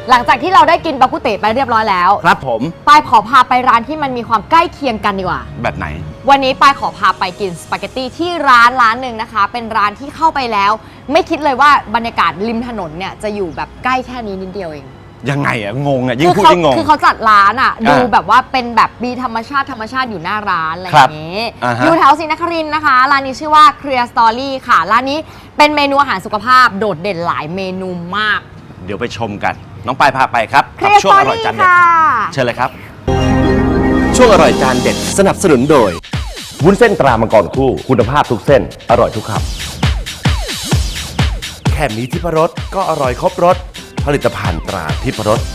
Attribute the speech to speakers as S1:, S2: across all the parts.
S1: หลังจากที่เราได้กินบากุเตะไปเรียบร้อยแล้ว
S2: ครับผม
S1: ปายขอพาไปร้านที่มันมีความใกล้เคียงกันดีกว่า
S2: แบบไหน
S1: วันนี้ปายขอพาไปกินสปาเกตตี้ที่ร้านหนึ่งนะคะเป็นร้านที่เข้าไปแล้วไม่คิดเลยว่าบรรยากาศริมถนนเนี่ยจะอยู่แบบใกล้แค่นี้นิดเดียวเอง
S2: ยังไงอะงงอะยิ่งพูดยิ่งงง
S1: คือเขาจัดร้านอะดูแบบว่าเป็นแบบมีธรรมชาติอยู่หน้าร้านอะไรอย่างนี้อยู่แถวศรีนครินทร์นะคะร้านนี้ชื่อว่า Clear Story ค่ะร้านนี้เป็นเมนูอาหารสุขภาพโดดเด่นหลายเมนูมาก
S2: เดี๋ยวไปชมกันน้องปายพาไปครับกับช่วงอร่อยจานเด็ดเชิญเลยครับ
S3: ช่วงอร่อยจานเด็ดสนับสนุนโดยวุ้นเส้นตรามังกรคู่คุณภาพทุกเส้นอร่อยทุกคำแค่มีทิพรสก็อร่อยครบรสผลิตภัณฑ์ตราทิพรส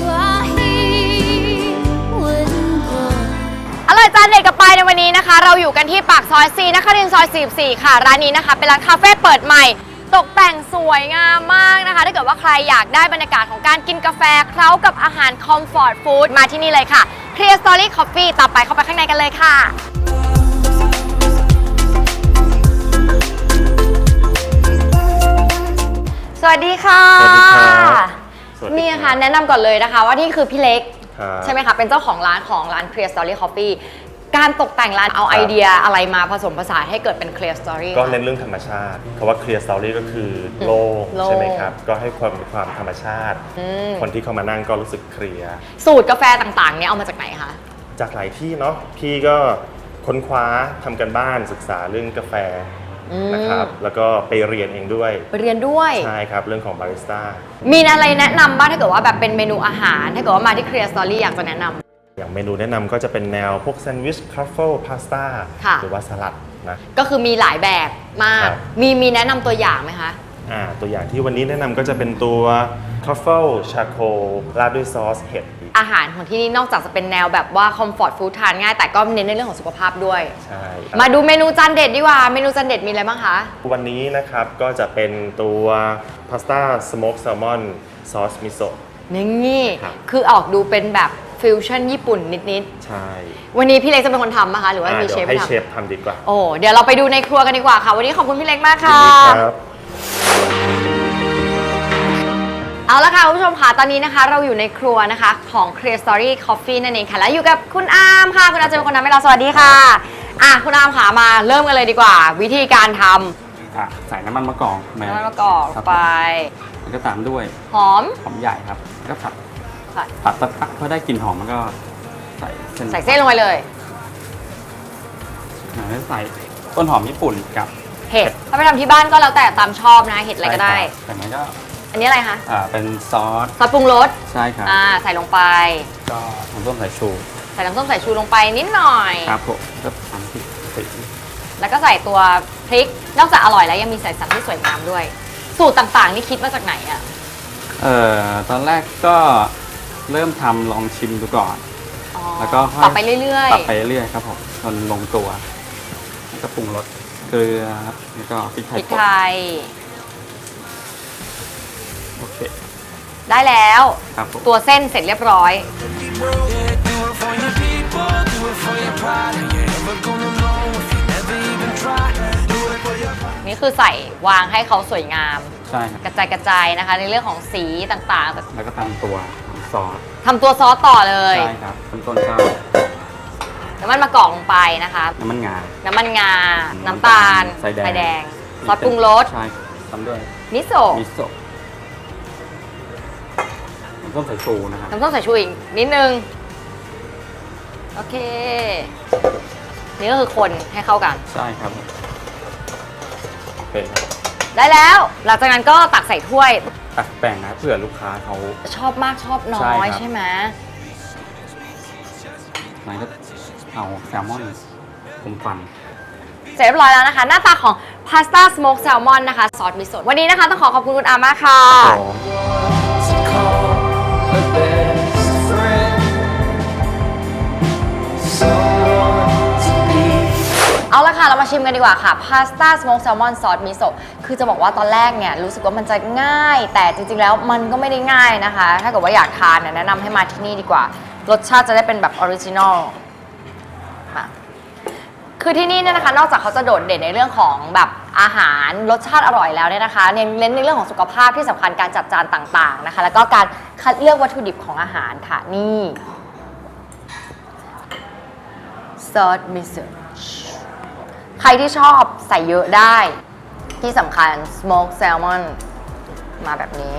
S1: อร่อยจานเด็ดกับปายในวันนี้นะคะเราอยู่กันที่ปากซอย4นครินทร์ซอย44ค่ะร้านนี้นะคะเป็นร้านคาเฟ่เปิดใหม่ตกแต่งสวยงามมากนะคะถ้าเกิดว่าใครอยากได้บรรยากาศของการกินกาแฟเคล้ากับอาหารคอมฟอร์ตฟู้ดมาที่นี่เลยค่ะ Clear Story Coffee ต่อไปเข้าไปข้างในกันเลยค่ะสวัสดีค่ะ
S4: สวัสดีครับ
S1: นี่ค่ะแนะนำก่อนเลยนะคะว่านี่คือพี่เล็กใช่ไหมคะเป็นเจ้าของร้านClear Story Coffee การตกแต่งร้านเอาไอเดียอะไรมาผสมผสานให้เกิดเป็น Clear Story
S4: ก็เน้นเรื่องธรรมชาติคำว่า Clear Story ก็คือโล่งใช่ไหมครับก็ให้ความธรรมชาติคนที่เข้ามานั่งก็รู้สึกเคลียร์
S1: สูตรกาแฟต่างๆเนี่ยเอามาจากไหนคะ
S4: จากหลายที่เนาะพี่ก็ค้นคว้าทำกันบ้านศึกษาเรื่องกาแฟนะครับแล้วก็ไปเรียนเองด้วย
S1: ไปเรียนด้วย
S4: ใช่ครับเรื่องของบาริสต้า
S1: มีอะไรแนะนำบ้างถ้าเกิดว่าแบบเป็นเมนูอาหารถ้าเกิดว่ามาที่ Clear Story อยากจะแนะนำ
S4: อย่างเมนูแนะนำก็จะเป็นแนวพวกแซนด์วิชทรัฟเฟิลพาสต้าหรือว่าสลัดนะ
S1: ก็คือมีหลายแบบมากมีแนะนำตัวอย่างไหมคะ
S4: ตัวอย่างที่วันนี้แนะนำก็จะเป็นตัวทรัฟเฟิลชาโคราดด้วยซอสเห็ด
S1: อาหารของที่นี่นอกจากจะเป็นแนวแบบว่าคอมฟอร์ตฟู้ดทานง่ายแต่ก็เน้นในเรื่องของสุขภาพด้วย
S4: ใช่
S1: มาดูเมนูจานเด็ดดีกว่าเมนูจานเด็ดมีอะไรบ้างคะ
S4: วันนี้นะครับก็จะเป็นตัวพาสต้าสโมกแซลมอนซอสมิโซะ
S1: นี่คือออกดูเป็นแบบฟิวชั่นญี่ปุ่นนิด
S4: ๆใช่
S1: วันนี้พี่เล็กจะเป็นคนทำนะคะหรือว่ามีเชฟ
S4: ให้เชฟทำดีกว่า
S1: โอ้เดี๋ยวเราไปดูในครัวกันดีกว่าค่ะวันนี้ขอบคุณพี่เล็กมากค่ะเอาละค่ะคุณผู้ชมค่ะตอนนี้นะคะเราอยู่ในครัวนะคะของ Clear Story Coffee นั่นเองค่ะและอยู่กับคุณอาร์มค่ะคุณอาร์มจะเป็นคนทำให้เราสวัสดีค่ะคุณอาร์มค่ะมาเริ่มกันเลยดีกว่าวิธีการท
S5: ำใส่น้ำมันมะกอก
S1: น้ำมันมะกอกไป
S5: แล้วก็ตามด้วยหอมใหญ่ครับแล้วก็ผัดสักพักพอได้กลิ่นหอมมันก็ใส่
S1: เส้นลงไปเลย
S5: แล้วใส่ต้นหอมญี่ปุ่นกับ
S1: เห็ดถ้าไปทำที่บ้านก็แล้วแต่ตามชอบนะเห็ดอะไรก็ได้
S5: แต่มันก็
S1: อันนี้อะไรคะ
S5: เป็นซอส
S1: ปรุงรส
S5: ใช่ครับ
S1: ใส่ลงไป
S5: ก็น้ำส้มสายชู
S1: ใส่น้ำส้มสายชูลงไปนิดหน่อย
S5: ครับผมก็ทำพริก
S1: แล้วก็ใส่ตัวพริกนอกจากอร่อยแล้วยังมีใส่สันที่สวยงามด้วยสูตรต่างๆนี่คิดมาจากไหนอ่ะ
S5: ตอนแรกก็เริ่มทำลองชิมดูก่อนแล้วก็
S1: ปรับไปเรื่
S5: อยๆครับผมจนลงตัวแล้วก็ปรุงรสเกลือแล้วก็พริกไทยโอเค
S1: ได้แล้วตัวเส้นเสร็จเรียบร้อยนี่คือใส่วางให้เขาสวยงาม
S5: ใช่
S1: กระจายนะคะในเรื่องของสีต่างๆ
S5: แล้วก็ทำตัวซอส
S1: ต่อเลย
S5: ใช่ครับต้นก็
S1: น้ำมันมะกอกลงไปนะคะ
S5: น้ำมันงา
S1: น้ำตาลไฟแดงซอสปรุงรส
S5: ใช่ทำด้วย
S1: มิโซะ
S5: น้ำส้มสายชูนะครับ
S1: น้ำส้มสายชูอีกนิดนึงโอเคนี่ก็คือคนให้เข้ากัน
S5: ใช่ครับโอเค
S1: ได้แล้วหลังจากนั้นก็ตักใส่ถ้วย
S5: ตักแบ่งนะเผื่อลูกค้าเขา
S1: ชอบมากชอบน้อยใช่ไหม
S5: มันก็เอาแซลมอนฟัน
S1: เสร็จเรียบร้อยแล้วนะคะหน้าตาของพาสต้าสโมกแซลมอนนะคะซอสมิโซะวันนี้นะคะต้องขอบคุณคุณอาร์มากค่ะเอาละค่ะเรามาชิมกันดีกว่าค่ะพาสต้าสโมกแซลมอนซอสมิโซะคือจะบอกว่าตอนแรกเนี่ยรู้สึกว่ามันจะง่ายแต่จริงๆแล้วมันก็ไม่ได้ง่ายนะคะถ้าเกิดว่าอยากทานแนะนำให้มาที่นี่ดีกว่ารสชาติจะได้เป็นแบบออริจินอลคือที่นี่เนี่ยนะคะนอกจากเขาจะโดดเด่นในเรื่องของแบบอาหารรสชาติอร่อยแล้วเนี่ยนะคะเน้นในเรื่องของสุขภาพที่สำคัญการจัดจานต่างๆนะคะแล้วก็การคัดเลือกวัตถุดิบของอาหารค่ะนี่ซอสมิโซะใครที่ชอบใส่เยอะได้ที่สำคัญ smoked salmon มาแบบนี้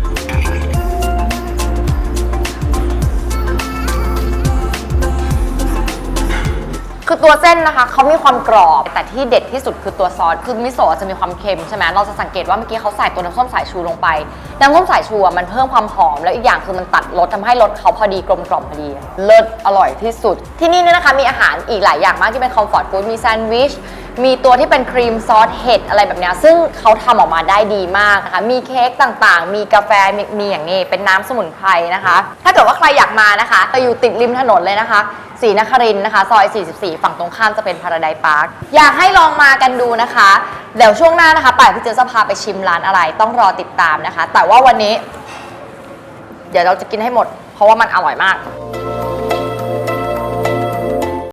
S1: คือตัวเส้นนะคะเขามีความกรอบแต่ที่เด็ดที่สุดคือตัวซอสคือมิโซะจะมีความเค็มใช่ไหมเราจะสังเกตว่าเมื่อกี้เขาใส่ตัวน้ำส้มสายชูลงไปน้ำส้มสายชูมันเพิ่มความหอมแล้วอีกอย่างคือมันตัดรสทำให้รสเขาพอดีกลมกล่อมพอดีเลิศอร่อยที่สุดที่นี่เนี่ยนะคะมีอาหารอีกหลายอย่างมากที่เป็นคอมฟอร์ตฟู้ดมีแซนด์วิชมีตัวที่เป็นครีมซอสเห็ดอะไรแบบนี้ซึ่งเขาทำออกมาได้ดีมากนะคะมีเค้กต่างๆมีกาแฟมีอย่างนี้เป็นน้ำสมุนไพรนะคะถ้าเกิดว่าใครอยากมานะคะจะอยู่ติดริมถนนเลยนะคะศรีนครินทร์นะคะซอย 44 ฝั่งตรงข้ามจะเป็นพาราไดซ์พาร์คอยากให้ลองมากันดูนะคะเดี๋ยวช่วงหน้านะคะป่ายพี่เจจะพาไปชิมร้านอะไรต้องรอติดตามนะคะแต่ว่าวันนี้เดี๋ยวเราจะกินให้หมดเพราะว่ามันอร่อยมาก